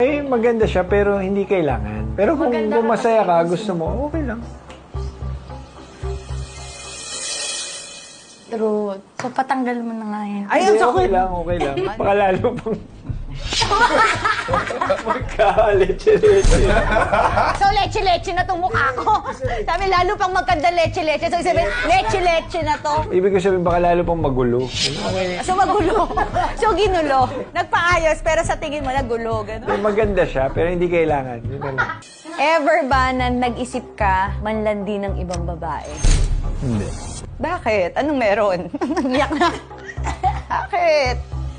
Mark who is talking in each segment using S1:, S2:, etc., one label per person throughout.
S1: Eh, maganda siya pero hindi kailangan. Pero kung masaya ka, gusto mo, okay lang.
S2: True. So, patanggal mo na nga yan.
S1: Ay, okay lang, okay lang. Baka lalo pang... Magka-leche-leche.
S3: So, leche-leche na itong mukha ko. Sabi, lalo pang magkanda leche-leche. So, sabi, leche-leche na to.
S1: Ibig ko sabihin, baka lalo pang magulo.
S3: So, magulo. So, ginulo. Nagpaayos, pero sa tingin mo, nagulo. Ganun.
S1: Maganda siya, pero hindi kailangan. Yun na lang.
S3: Ever ba na nag-isip ka manlandi ng ibang babae?
S1: Hindi.
S3: Bakit? Anong meron? Iyak na. Bakit?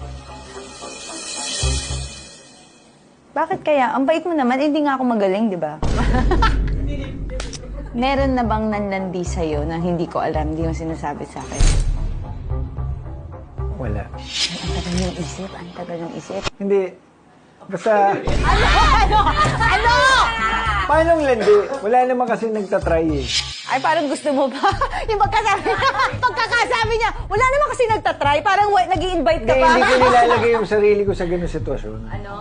S3: Bakit kaya? Ang bait mo naman, hindi nga ako magaling, di ba? Meron na bang nanlandi sa'yo na hindi ko alam, hindi mo sinasabi sa akin?
S1: Wala.
S3: Ang tagal ng isip, ang tagal ng isip.
S1: Hindi. Basta,
S3: Ano?
S1: paano ang landi? Wala naman kasi nagtatry eh.
S3: Ay, parang gusto mo ba? Yung pagkakasabi niya, wala naman kasi nagtatry, parang nag-i-invite ka
S1: Hindi,
S3: pa.
S1: hindi ko nilalagay yung sarili ko sa ganung sitwasyon.
S2: Ano?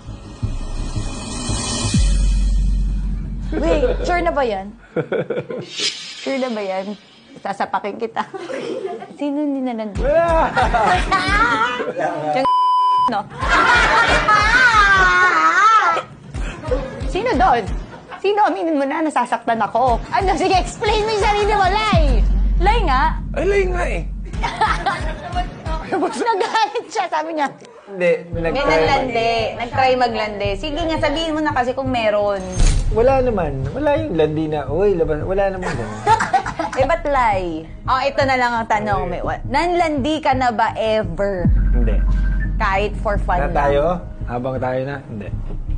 S2: Wait, sure na ba yan?
S3: Sure na ba yan? Sasapakin kita. Sino ninalandi?
S1: Wala!
S3: No? Sino doon? Sino? Aminin mo na, nasasaktan ako. Ano? Sige, explain mo yung sarili mo, Lai! Lai nga?
S1: Ay, lay nga eh.
S3: Nagalit siya, sabi niya.
S1: Hindi,
S3: May
S1: nag-try.
S3: naglandi. Nag-try maglandi. Sige nga, sabihin mo na kasi kung meron.
S1: Wala naman. Wala yung landi na, uy, labas. Wala naman ganun.
S3: Eh, ba't Lai? Oh, ito na lang ang tanong. Nanlandi ka na ba ever?
S1: Hindi.
S3: Kahit for fun
S1: Na
S3: lang?
S1: tayo? Habang tayo na? Hindi.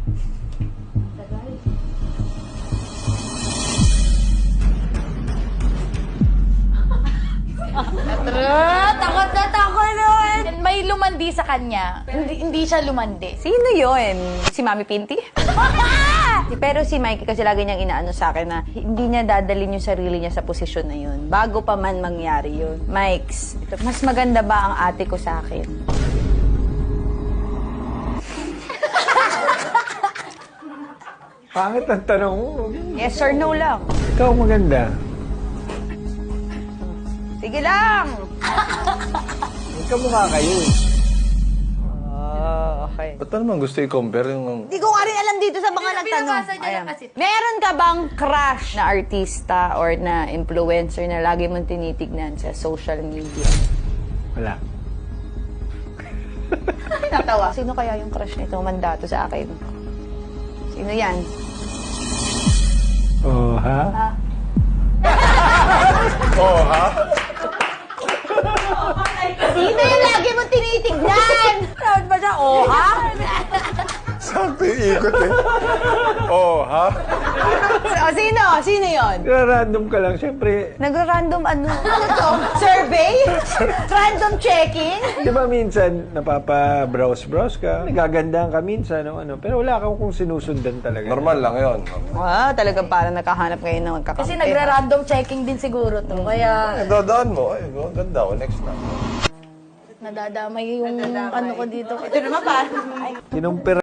S2: Takot na takot nun! May lumandi sa kanya. Hindi siya lumandi.
S3: Sino yon? Si Mami Pinty? Pero si Mikey kasi lagi niyang inaano sa akin na hindi niya dadalhin yung sarili niya sa posisyon na yun. Bago pa man mangyari yun. Mikes, mas maganda ba ang ate ko sa akin?
S1: Pangit ang tanong mo.
S3: Yes or no lang?
S1: Ikaw maganda.
S3: Sige lang!
S1: Ikaw mukha kayo eh.
S3: Oh, okay.
S4: Ba't pa naman gusto i-compare yung...
S3: Hindi ko nga rin alam dito sa mga nagtanong.
S2: binabasa niya lang
S3: Ayan.
S2: kasi.
S3: Meron ka bang crush na artista or na influencer na lagi mong tinitignan sa social media?
S1: Wala.
S3: Natawa. Sino kaya yung crush nito? Mandato sa akin. Sino yan?
S1: Oh, ha?
S4: Oh, ha?
S3: Sino yung lagi mong tinitignan? Saan ba siya? Oh, ha?
S4: Sakto yung ikot eh. Oh, ha?
S3: O, sino? Sino yon?
S1: Random ka lang, syempre.
S3: Nagra-random ano? Ano to? Survey? Random checking?
S1: Di ba minsan napapa-browse ka, nagagandahan ka minsan, ano, pero wala kang kung sinusundan talaga.
S4: Normal lang yun.
S3: Wow, talagang parang nakahanap ngayon ng magkakampi.
S2: Kasi nagra-random checking din siguro to. Kaya
S4: Dadaan mo. Ay, ganda ko. Next na.
S2: nadadamay yung ano ko dito.
S3: Ito naman pa.
S1: Kinumpira